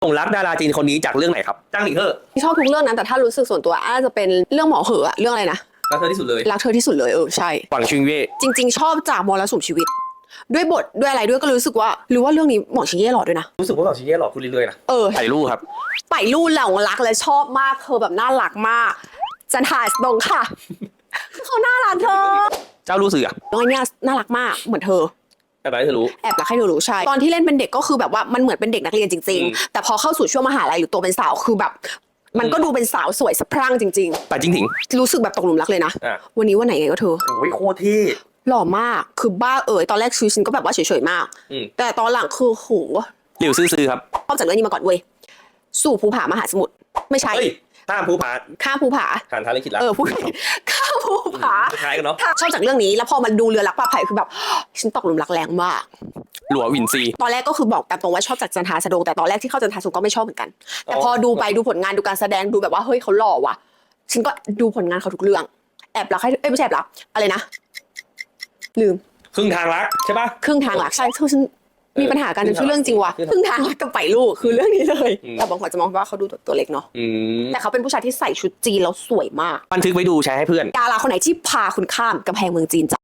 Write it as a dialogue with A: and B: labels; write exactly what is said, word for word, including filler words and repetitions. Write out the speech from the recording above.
A: หลงรักดาราจีนคนนี้จากเรื่องไหนครับจ้างหลิงเฮ่อ
B: ชอบทุกเรื่องนั้นแต่ถ้ารู้สึกส่วนตัวอาจจะเป็นเรื่องหมอเหอะเรื่องอะไรนะ
A: รักเธอที่สุดเลย
B: รักเธอที่สุดเลยเออใช่
A: หวังชิงเย่
B: จริงๆชอบจากมรสุมชีวิตด้วยบทด้วยอะไรด้วยก็รู้สึกว่าหรือว่าเรื่องนี้หมอชิงเย่หล่อด้วยนะ
A: รู้สึกว่าหวังชิงเย่หล่อขึ้นเรื่อยๆนะ
B: เออ
A: ถ่ายรูปครับ
B: ไปรูปหลงรักและชอบมากเธอแบบน่ารักมากจันทาสตรงค่ะเขาน่ารักเธอ
A: เจ้ารู้สึกอ่ะ
B: น้อยเนี่ยน่ารักมากเหมือนเธอ
A: แอบรักให้เธอรู้
B: แอบรักให้เธอรู้ใช่ตอนที่เล่นเป็นเด็กก็คือแบบว่ามันเหมือนเป็นเด็กนักเรียนจริงๆแต่พอเข้าสู่ช่วงมหาลัยหรือตัวเป็นสาวคือแบบมันก็ดูเป็นสาวสวยสะพรั่งจริง
A: ๆแต่จริง
B: ๆรู้สึกแบบตกหลุมรักเลยนะวันนี้วันไหนไงก็เธอ
A: โอ้ยโคตรที่
B: หล่อมากคือบ้าเอ๋ยตอนแรกชีวิตฉันก็แบบว่าเฉยๆมากแต่ตอนหลังคือโห
A: หลิวซื่อๆครับ
B: ชอบจากเรื่องนี้มาก่อนเว้ยสู่ภูผามหาสมุทรไม่ใช่
A: ข้ามภูผา
B: ข้ามภูผา
A: ผ่านทางลิขิตแล้ว
B: เออพูดข้ามภูผา
A: คล้ายกันเนาะ
B: ชอบจากเรื่องนี้แล้วพอมันดูเรือรักปลาไผ่คือแบบฉันตกหลุมรักแรงมาก
A: หลัววินซี
B: ตอนแรกก็คือบอกตามตรงว่าชอบจากจันทาสะดงแต่ตอนแรกที่เข้าจันทาสะดงก็ไม่ชอบเหมือนกันแต่พอดูไปดูผลงานดูการแสดงดูแบบว่าเฮ้ยเขาหล่อว่ะฉันก็ดูผลงานเขาทุกเรื่องแอบรักให้เอ้ยไม่ใช่แอบรักอะไรนะลืม
A: ครึ่งทางรักใช่ปะ
B: ครึ่งทางรักใช่ฉันมีปัญหากันจนชื่อเรื่องจริงว่ะครึ่งทางรักกับไปลูกคือเรื่องนี้เลยแต่บางคนจะมองว่าเขาดูตัวเล็กเนาะแต่เขาเป็นผู้ชายที่ใส่ชุดจีนแล้วสวยมาก
A: บันทึกไว้ดูแชร์ให้เพื่อน
B: ดาราคนไหนที่พาคุณข้ามกำแพงเมืองจีนจ้ะ